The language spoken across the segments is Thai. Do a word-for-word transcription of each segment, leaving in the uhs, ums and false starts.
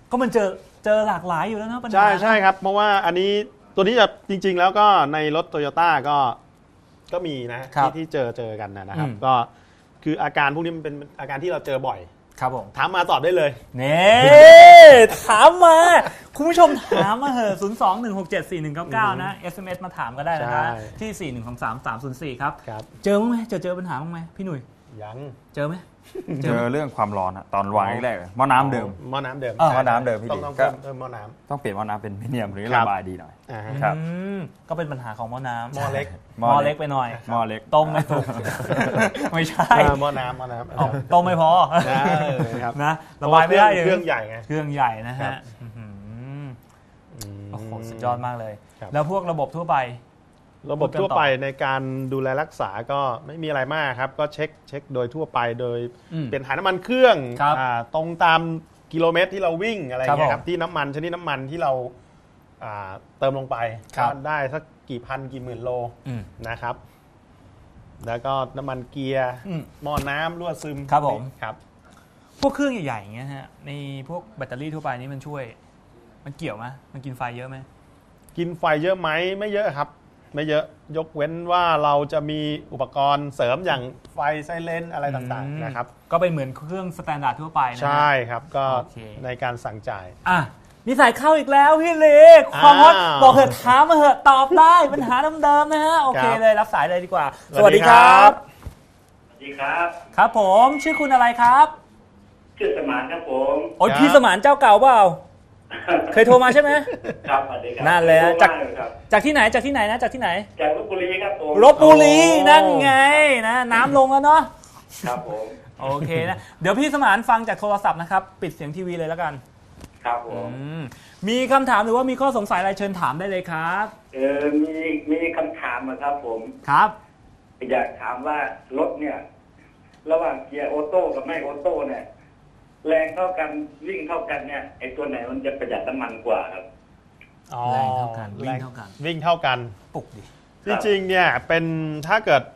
ก็มันเจอเจอหลากหลายอยู่แล้วนะปัญหาใช่ใช่ครับเพราะว่าอันนี้ตัวนี้จะจริงๆแล้วก็ในรถโตโยต้าก็ก็มีนะที่ที่เจอเจอกันนะครับก็คืออาการพวกนี้มันเป็นอาการที่เราเจอบ่อยครับผมถามมาตอบได้เลยเน่ถามมาคุณผู้ชมถามมาเหอะศูนย์ สอง หนึ่ง หก เจ็ด สี่ หนึ่ง เก้า เก้านะ เอส เอ็ม เอส มาถามก็ได้นะที่ สี่ หนึ่ง สอง สาม สาม ศูนย์ สี่ครับเจอมั้ยเจอเจอปัญหาบ้างไหมพี่หนุ่ยยังเจอไหมเจอเรื่องความร้อนอะตอนวางแรกๆหม้อน้ำเดิมหม้อน้ำเดิมหม้อน้ำเดิมพี่ต้องเพิ่มหม้อน้ำต้องเปลี่ยนหม้อน้ำเป็นมิเนียมหรือระบายดีหน่อยครับก็เป็นปัญหาของหม้อน้ำหม้อเล็กหม้อเล็กไปหน่อยหม้อเล็กต้มไม่ถูกไม่ใช่หม้อน้ำหม้อน้ำต้มไม่พอนะระบายไม่ได้เครื่องใหญ่ไงเครื่องใหญ่นะฮะโอ้โหสุดยอดมากเลยแล้วพวกระบบทั่วไประบบทั่วไปในการดูแลรักษาก็ไม่มีอะไรมากครับก็เช็คเช็คโดยทั่วไปโดยเปลี่ยนถ่ายน้ำมันเครื่องตรงตามกิโลเมตรที่เราวิ่งอะไรอย่างเงี้ยครับที่น้ำมันชนิดน้ำมันที่เราเติมลงไปได้สักกี่พันกี่หมื่นโลนะครับแล้วก็น้ำมันเกียร์หม้อน้ำรั่วซึมครับผมครับพวกเครื่องใหญ่ๆอย่างเงี้ยฮะในพวกแบตเตอรี่ทั่วไปนี่มันช่วยมันเกี่ยวไหมมันกินไฟเยอะไหมกินไฟเยอะไหมไม่เยอะครับไม่เยอะยกเว้นว่าเราจะมีอุปกรณ์เสริมอย่างไฟไซเรนอะไรต่างๆนะครับก็เป็นเหมือนเครื่องสแตนดาร์ดทั่วไปนะใช่ครับก็ในการสั่งจ่ายอ่ะนี่ใส่เข้าอีกแล้วพี่เล็กความฮอตบอกเหอะถามมาเหอะตอบได้ปัญหาเดิมๆนะฮะโอเคเลยรับสายเลยดีกว่าสวัสดีครับสวัสดีครับครับผมชื่อคุณอะไรครับชื่อสมานครับผมโอ้ยพี่สมานเจ้าเก่าเปล่าเคยโทรมาใช่ไหมครับสวัสดีครับนั่นเลยจากจากที่ไหนจากที่ไหนนะจากที่ไหนจากลพบุรีครับผมลพบุรีนั่นไงนะน้ำลงแล้วเนาะครับผมโอเคนะเดี๋ยวพี่สมานฟังจากโทรศัพท์นะครับปิดเสียงทีวีเลยแล้วกันครับผมมีคำถามหรือว่ามีข้อสงสัยอะไรเชิญถามได้เลยครับเออมีมีคำถามนะครับผมครับอยากถามว่ารถเนี่ยระหว่างเกียร์ออโต้กับไม่ออโต้เนี่ยแรงเท่ากันวิ่งเท่ากันเนี่ยไอ้ตัวไหนมันจะประหยัดน้ำมันกว่าครับแรงเท่ากันวิ่งเท่ากันวิ่งเท่ากันปุกดิจริงๆเนี่ยเป็นถ้าเกิด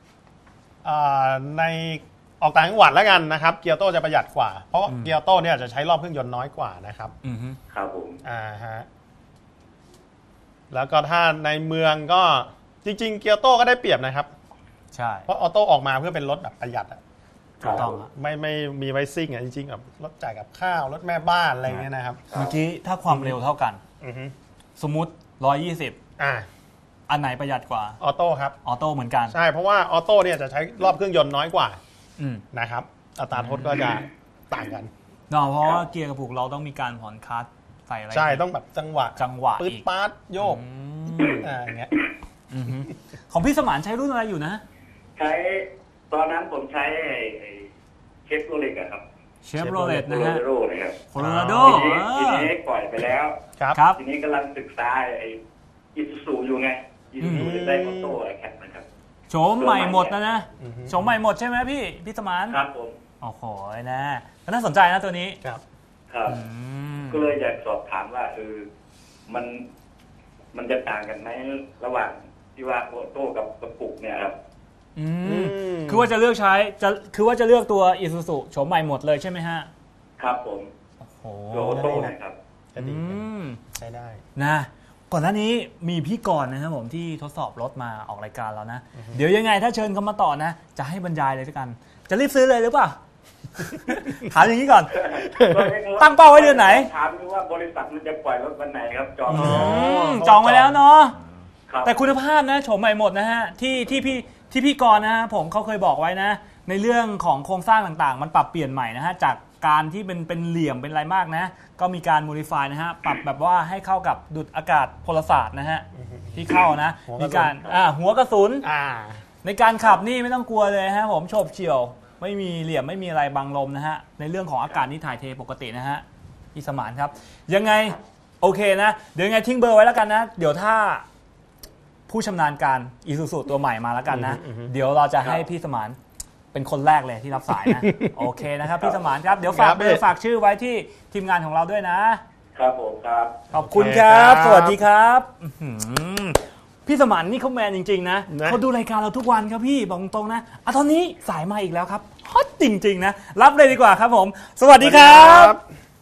ในออกต่างจังหวัดแล้วกันนะครับเกียร์โต้จะประหยัดกว่าเพราะเกียร์โต้เนี่ยจะใช้รอบเครื่องยนต์น้อยกว่านะครับอือฮึครับผมอ่าฮะแล้วก็ถ้าในเมืองก็จริงๆเกียร์โต้ก็ได้เปรียบนะครับใช่เพราะออโต้ออกมาเพื่อเป็นรถแบบประหยัดอ่ะถูกต้องไม่ไม่มีไวซิ่งอ่ะจริงๆแบบรถจ่ายกับข้าวรถแม่บ้านอะไรเงี้ยนะครับเมื่อกี้ถ้าความเร็วเท่ากันสมมุติหนึ่งร้อยยี่สิบอ่าอันไหนประหยัดกว่าออโต้ครับออโต้เหมือนกันใช่เพราะว่าออโต้เนี่ยจะใช้รอบเครื่องยนต์น้อยกว่านะครับอัตราโทษก็จะต่างกันเนาะเพราะว่าเกียร์กระปุกเราต้องมีการผ่อนคลัตช์ใส่อะไรใช่ต้องแบบจังหวะจังหวะปื๊ดป๊าดโยกอ่าอย่างเงี้ยของพี่สมานใช้รุ่นอะไรอยู่นะใช้ตอนนั้นผมใช้เชฟโรเลตครับเชฟโรเลตนะฮะโคโลราโดทีนี้ปล่อยไปแล้วครับทีนี้กำลังศึกษาไอ้อิซูซูอยู่ไงอิซูซูได้ออโต้แคปนะครับโฉมใหม่หมดนะนะโฉมใหม่หมดใช่ไหมพี่พี่สมานครับผมโอ้โหนะก็น่าสนใจนะตัวนี้ครับครับก็เลยอยากสอบถามว่าเออมันมันจะต่างกันไหมระหว่างที่ว่าออโต้กับกระปุกเนี่ยครับอืมคือว่าจะเลือกใช้จะคือว่าจะเลือกตัว Isuzu โฉมใหม่หมดเลยใช่ไหมฮะครับผมโอ้โหออโต้นะครับอืมใช้ได้นะก่อนหน้านี้มีพี่กรณ์นะครับผมที่ทดสอบรถมาออกรายการแล้วนะเดี๋ยวยังไงถ้าเชิญเขามาต่อนะจะให้บรรยายเลยด้วยกันจะรีบซื้อเลยหรือเปล่าถามอย่างนี้ก่อนตั้งเป้าไว้เดือนไหนถามว่าบริษัทมันจะปล่อยรถวันไหนครับจองจองไว้แล้วเนาะแต่คุณภาพนะโฉมใหม่หมดนะฮะที่ที่พี่ที่พี่กรณ์นะฮะผมเขาเคยบอกไว้นะในเรื่องของโครงสร้างต่างๆมันปรับเปลี่ยนใหม่นะฮะจากการที่เป็นเป็นเหลี่ยมเป็นอะไรมากนะก็มีการ modify นะฮะปรับแบบว่าให้เข้ากับดุจอากาศพลศาสตร์นะฮะที่เข้านะมีการอ่าหัวกระสุนในการขับนี่ไม่ต้องกลัวเลยฮะผมโฉบเฉี่ยวไม่มีเหลี่ยมไม่มีอะไรบังลมนะฮะในเรื่องของอากาศนี่ถ่ายเทปกตินะฮะพี่สมานครับยังไงโอเคนะเดี๋ยวยังไงทิ้งเบอร์ไว้แล้วกันนะเดี๋ยวถ้าผู้ชำนาญการ Isuzu ตัวใหม่มาแล้วกันนะเดี๋ยวเราจะให้พี่สมานเป็นคนแรกเลยที่รับสายนะโอเคนะครับพี่สมานครับเดี๋ยวฝากเบอร์ฝากชื่อไว้ที่ทีมงานของเราด้วยนะครับผมครับขอบคุณครับสวัสดีครับพี่สมานนี่เขาแมนจริงๆนะเขาดูรายการเราทุกวันครับพี่บอกตรงๆนะอ่ะตอนนี้สายมาอีกแล้วครับฮอตจริงๆนะรับเลยดีกว่าครับผมสวัสดีครับ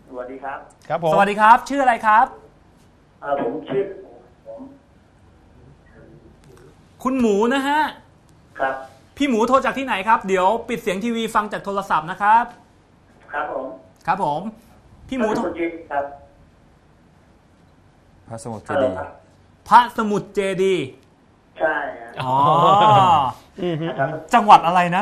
สวัสดีครับครับผมสวัสดีครับชื่ออะไรครับเออผมชื่อผมคุณหมูนะฮะครับพี่หมูโทรจากที่ไหนครับเดี๋ยวปิดเสียงทีวีฟังจากโทรศัพท์นะครับครับผมครับผมพี่หมูโทรจริงครับพระสมุทรเจฮัลโหลดีย์ครับพระสมุทรเจดีย์ใช่ครับอ๋อครับจังหวัดอะไรนะ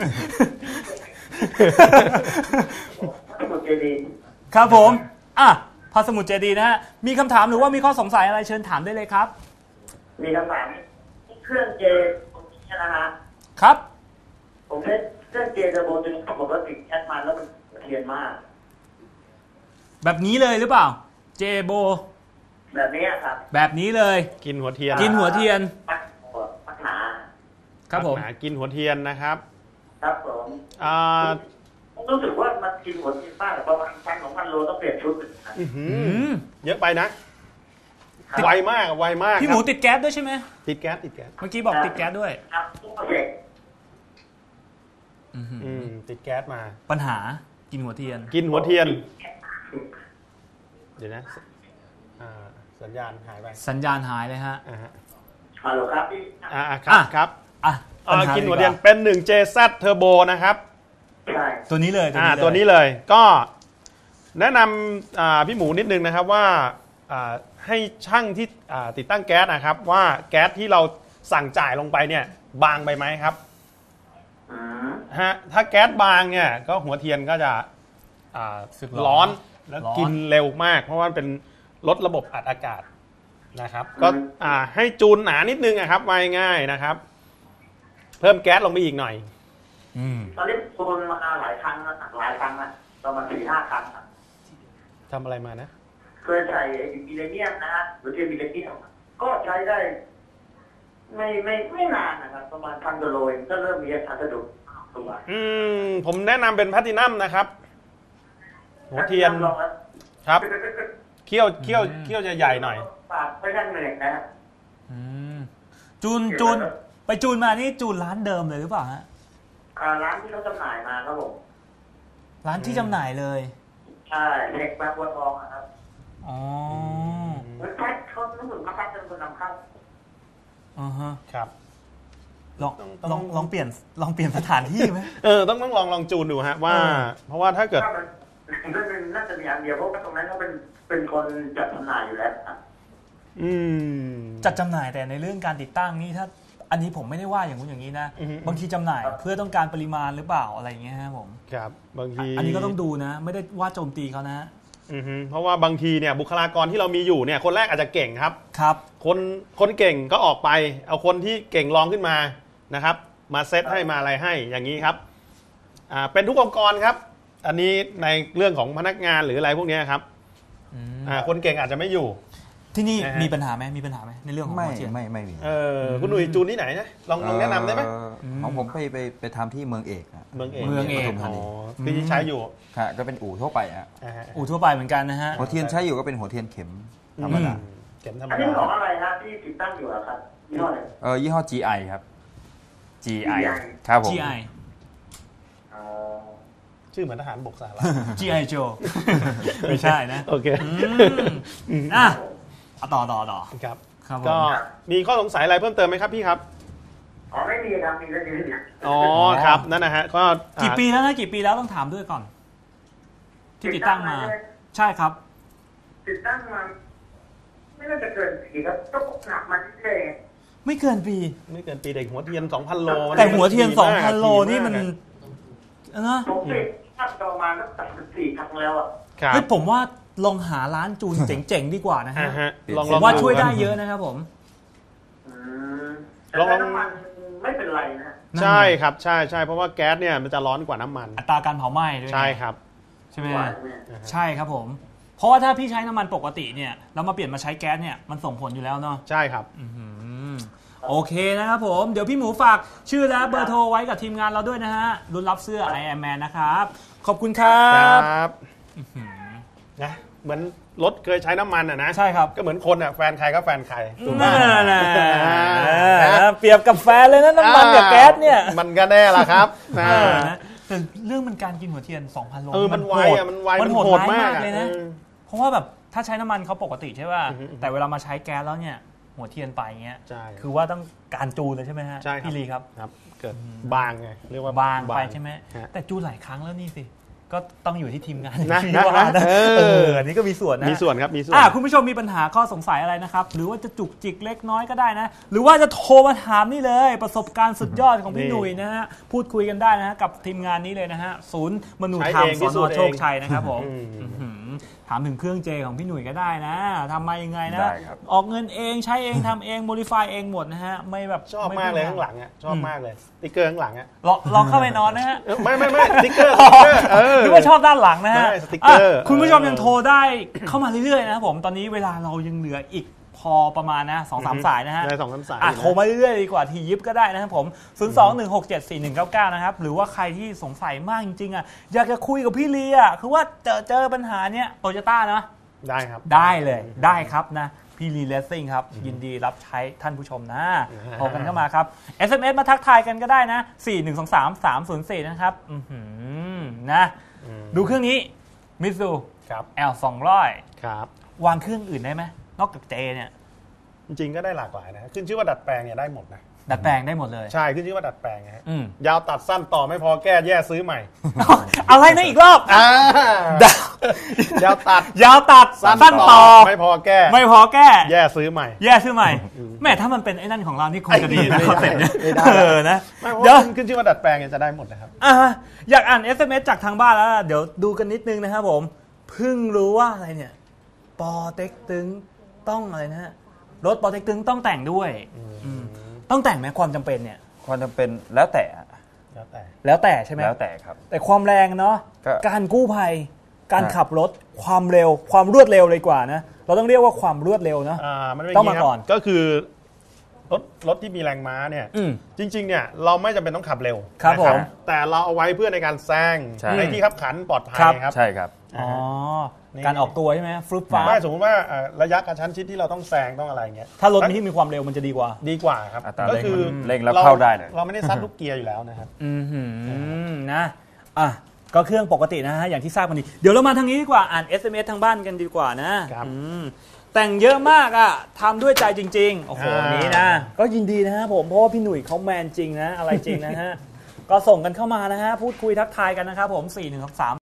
ทั้งหมดเจดีย์ครับผมอ่ะพระสมุทรเจดีย์นะฮะมีคำถามหรือว่ามีข้อสงสัยอะไรเชิญถามได้เลยครับมีคำถามเครื่องเจตรงนี้นะฮะครับผมเล่นเครื่องเจเทอร์โบตัวนี้ปกติแอดมันแล้วมันเทียนมากแบบนี้เลยหรือเปล่าเจโบแบบนี้ครับแบบนี้เลยกินหัวเทียนกินหัวเทียนปักปักหนาครับผมหากินหัวเทียนนะครับครับผมอ่าผมรู้สึกว่ามันกินหัวเทียนมากประมาณพันสองพันโลต้องเปลี่ยนชุดนะอื้อหืออืมเยอะไปนะ ไวมากไวมากพี่หมูครับติดแก๊สด้วยใช่ไหมติดแก๊สติดแก๊สเมื่อกี้บอกติดแก๊สด้วยครับทุกโปรเจกต์อื้อหืออืมติดแก๊สมาปัญหากินหัวเทียนกินหัวเทียน เดี๋ยวนะอ่าสัญญาณหายไปสัญญาณหายเลยฮะอ่าฮะฮัลโหลครับพี่อ่าอ่าครับอ่ะครับอ่ะอ่าปัญากินหัวเทียนดีกาเป็น หนึ่ง เจ แซด Turbo นะครับใช่ตัวนี้เลยอ่าตัวนี้เลยก็แนะนำอ่าพี่หมูนิดนึงนะครับว่าอ่าให้ช่างที่อ่าติดตั้งแก๊สนะครับว่าแก๊สที่เราสั่งจ่ายลงไปเนี่ยบางไปไหมครับอืมฮะถ้าแก๊สบางเนี่ยก็หัวเทียนก็จะอ่าสึกร้อนแล้วร้อนกินเร็วมาก เพราะว่ามันเป็นรถระบบอัดอากาศนะครับ ก็อ่าให้จูนหนานิดนึงอะครับว่าง่ายๆนะครับ เพิ่มแก๊สลงไปอีกหน่อยอืมตอนนี้โดนมาหลายครั้งแล้วหลายครั้งนะประมาณสี่ห้าครั้งอะทำอะไรมานะเคยใส่มิเลเนียมนะฮะหรือเทียนมิเลเนียมก็ใช้ได้ ไม่ไม่ไม่นานนะครับ ประมาณพันกิโลเองก็เริ่มมีอาการสะดุดตัวอืมผมแนะนำเป็นแพลตตินัมนะครับ หัวเทียนลองแล้วครับเคี่ยวเคี่ยวเคี่ยวจะใหญ่หน่อยปากไม่ทันเหนื่อยนะฮะอืมจูนจูนไปจูนมานี่จูนร้านเดิมเลยหรือเปล่าฮะอ่าร้านที่เขาจำหน่ายมาครับผมร้านที่จำหน่ายเลยใช่เด็กมาบัวทองอะครับอ๋อเหมือนแพ็คเขารู้สึกมาแพ็คเป็นคนนำเข้าอ่าฮะครับลองต้องลองลองเปลี่ยนลองเปลี่ยนสถานที่ไหมเออต้องต้องลองลองจูนดูฮะว่าเออเพราะว่าถ้าเกิดถ้ามันน่าจะน่าจะมีอันเดียวเพราะว่าตรงนั้นเขาเป็นเป็นคนจัดจำหน่ายอยู่แล้วครับอืมจัดจำหน่ายแต่ในเรื่องการติดตั้งนี่ถ้าอันนี้ผมไม่ได้ว่าอย่างนู้นอย่างนี้นะอือฮึบางทีจำหน่ายเพื่อต้องการปริมาณหรือเปล่าอะไรอย่างเงี้ยฮะผมครับบางทีอันนี้ก็ต้องดูนะ ไม่ได้ว่าโจมตีเขานะอือฮึเพราะว่าบางทีเนี่ยบุคลากรที่เรามีอยู่เนี่ยคนแรกอาจจะเก่งครับครับคนคนเก่งก็ออกไป เอาคนที่เก่งรองขึ้นมานะครับ มาเซตให้มาอะไรให้อย่างนี้ครับอ่าเป็นทุกองค์กรครับ อันนี้ในเรื่องของพนักงานหรืออะไรพวกเนี้ยครับอืมอ่าคนเก่งอาจจะไม่อยู่ที่นี่นะฮะมีปัญหาไหมมีปัญหาไหมในเรื่องของไม่หัวเทียนไม่ไม่มีเออคุณหนุ่ยจูนที่ไหนนะลองลองแนะนำได้ไหมเอ่อของผมไปไปไปทำที่เมืองเอกอะเมืองเอกเมืองเอกปทุมธาอ๋อนีที่ใช้อยู่ค่ะก็เป็นอู่ทั่วไปอะอ่าฮะอู่ทั่วไปเหมือนกันนะฮะหัวเทียนใช้อยู่ก็เป็นหัวเทียนเข็มธรรมดาอืเข็มธรรมอันนี้ดาของอะไรฮะที่ติดตั้งอยู่อะครับยี่ห้ออะไรเออยี่ห้อ จี ไอ ครับ จี ไอจี ไอครับผมจี ไออ๋อชื่อเหมือนทหารบกสหรัฐจี ไอ Joe ไม่ใช่นะโอเคอืมอ่ะเอาต่อต่อต่อครับครับผมก็มีข้อสงสัยอะไรเพิ่มเติมไหมครับพี่ครับอ๋อไม่มีครับมีแค่นี้เนี่ยอ๋อครับนั่นนะฮะก็อ่ากี่ปีแล้วนะกี่ปีแล้วต้องถามด้วยก่อน ที่ติดตั้งมา ใช่ครับติดตั้งมาไม่น่าจะเกินปีครับก็หนักมาเรื่อยไม่เกินปีไม่เกินปีเด็กหัวเทียน สองพัน โลแต่หัวเทียนดีสองมากพัน โลดีนี่มันากอะนะๆผมติดภาพประมาณตั้งแต่สิบสี่ครั้งแล้วอ่ะครับเฮ้ยผมว่าลองหาร้านจูนเจ๋งๆดีกว่านะอ่าฮะฮะลองผลองมว่าดูช่วยได้ครับเยอะนะครับผมอืมลองลองแต่น้ำมันไม่เป็นไรนะใช่ครับใช่ใช่เพราะว่าแก๊สเนี่ยมันจะร้อนกว่าน้ำมันอัตราการเผาไหม้ด้วยนะใช่ครับใช่ไหมไหวฮะเนี่ยใช่ครับผม เพราะว่าถ้าพี่ใช้น้ำมันปกติเนี่ยแล้วมาเปลี่ยนมาใช้แก๊สเนี่ยมันส่งผลอยู่แล้วเนาะใช่ครับอื้อหือโอเคนะครับผม เดี๋ยวพี่หมูฝากชื่อและเบอร์โทรไว้กับทีมงานเราด้วยนะฮะรุ่นรับเสื้อ I Am Man นะครับ ขอบคุณครัคบรับนะเหมือนรถเคยใช้น้ำมันอ่ะนะใช่ครับก็เหมือนคนอ่ะแฟนใครก็แฟนใครถูกไหมนั่นแหละอ่าเปรียบกับแฟนเลยนะน้ำมันกับแก๊สเนี่ยมันก็แน่ละครับนะเออนะแต่เรื่องมันการกินหัวเทียน สองพัน โลเออมันไวอ่ะมันไวมันโหดโหดร้ายมากมากเลยนะเออเพราะว่าแบบถ้าใช้น้ำมันเขาปกติใช่ป่ะอือฮึแต่เวลามาใช้แก๊สแล้วเนี่ยหัวเทียนไปเงี้ยใช่คือว่าต้องการจูนเลยใช่ไหมฮะใช่ครับพี่ลีครับครับเกิดบางไงเรียกว่าบางไปใช่ไหมฮะแต่จูนหลายครั้งแล้วนี่สิก็ต้องอยู่ที่ทีมงานนะที่นะว่านะเออเอออันนี้ก็มีส่วนนะมีส่วนครับมีส่วนอ่ะคุณผู้ชมมีปัญหาข้อสงสัยอะไรนะครับ หรือว่าจะจุกจิกเล็กน้อยก็ได้นะ หรือว่าจะโทรมาถามนี่เลย ประสบการณ์สุดยอดของพี่หนุ่ยนะฮะพูดคุยกันได้นะฮะกับทีมงานนี้เลยนะฮะศูนย์มนุษยธรรมสนโชคชัยนะครับผมอืมอื้อหือถามถึงเครื่องเจของพี่หนุ่ยก็ได้นะทำมายังไงนะได้ครับออกเงินเองใช้เองทำเองโมดิฟายเองหมดนะฮะไม่แบบชอบมากเลยข้างหลังอ่ะชอบมากเลยสติ๊กเกอร์ข้างหลังอ่ะลองลองเข้าไปนอนนะฮะเออไม่ไม่ไม่สติ๊กเกอร์สติ๊กเกอร์เออนึกว่าชอบด้านหลังนะฮะไม่สติ๊กเกอร์อ่ะคุณผู้ชมเออยังโทรได้เข้ามาเรื่อยๆนะครับผมตอนนี้เวลาเรายังเหลืออีกพอประมาณนะสองสามสายนะฮะได้สองสามสายอ่ะนะโทรมาเรื่อยๆดีกว่าทียิบก็ได้นะครับผม ศูนย์ สอง หนึ่ง หก เจ็ด สี่ หนึ่ง เก้า เก้า นะครับ หรือว่าใครที่สงสัยมากจริงๆอ่ะอยากจะคุยกับพี่ลีอ่ะคือว่าเจอเจอปัญหาเนี้ยโตโยต้านะได้ครับได้เลยได้ครับนะพี่ลีเลสซิ่งครับยินดีรับใช้ท่านผู้ชมนะโทรกันเข้ามาครับ เอส เอ็ม เอส มาทักทายกันก็ได้นะ สี่ หนึ่ง สอง สาม สาม ศูนย์ สี่ นะครับอื้อหือนะดูเครื่องนี้มิตซูครับแอล สองร้อยครับวางเครื่องอื่นได้ไหมนอกจากเจเนี่ยจริงๆก็ได้หลากหลายนะขึ้นชื่อว่าดัดแปลงเนี่ยได้หมดนะดัดแปลงได้หมดเลยใช่ขึ้นชื่อว่าดัดแปลงนะฮะอืมยาวตัดสั้นต่อไม่พอแก้แย่ซื้อใหม่อะไรนะอีกรอบอ่าดาวยาวตัดยาวตัดสั้นต่อไม่พอแก้ไม่พอแก้แย่ซื้อใหม่แย่ชื่อใหม่แม่ถ้ามันเป็นไอ้นั่นของเรานี่คงจะดีนะไม่ได้คอนเซ็ปต์เนี่ยไม่ได้เออนะไม่เพราะเดี๋ยวว่าขึ้นชื่อว่าดัดแปลงเนี่ยจะได้หมดนะครับอ่ะอยากอ่าน เอส เอ็ม เอส จากทางบ้านแล้วเดี๋ยวดูกันนิดนึงนะครับผมเพิ่งรู้ว่าอะไรเนี่ยปอเต็กตึงต้องอะไรนะฮะรถปอเต็กตึงต้องแต่งด้วยอืมต้องแต่งไหมความจำเป็นเนี่ยความจำเป็นแล้วแต่แล้วแต่แล้วแต่ใช่ไหมแล้วแต่ครับแต่ความแรงเนาะก็การกู้ภัยการฮะขับรถความเร็วความรวดเร็วเลยกว่านะเราต้องเรียกว่าความรวดเร็วเนาะอ่ามันเป็นต้องย่มานี้ครับก่อนก็คือรถรถที่มีแรงม้าเนี่ยอืมจริงๆเนี่ยเราไม่จำเป็นต้องขับเร็วครับนะผมแต่เราเอาไว้เพื่อในการแซงใช่ในที่ขับขันปลอดภัยครับครับใช่ครับอ๋อนี่การออกตัวใช่ไหมฟลุปฟ้าไม่สมมติว่าเอ่อระยะกระชั้นชิดที่เราต้องแซงต้องอะไรเงี้ยถ้ารถที่มีความเร็วมันจะดีกว่าดีกว่าครับอัตราก็เร่งคือมันเร่งแล้วเข้าได้เลยเราไม่ได้ซัดลูกเกียร์อยู่แล้วนะครับอืมหืมนะอ่ะก็เครื่องปกตินะฮะอย่างที่ทราบกันดีเดี๋ยวเรามาทางนี้ดีกว่าอ่าน เอส เอ็ม เอส ทางบ้านกันดีกว่านะครับ อืมแต่งเยอะมากอ่ะทำด้วยใจจริงๆโอ้โหอ่านี้นะก็ยินดีนะฮะผมเพราะว่าพี่หนุ่ยเขาแมนจริงนะอะไรจริงนะฮะ ก็ส่งกันเข้ามานะฮะพูดคุยทักทายกันนะครับผมสี่ หนึ่ง สอง สาม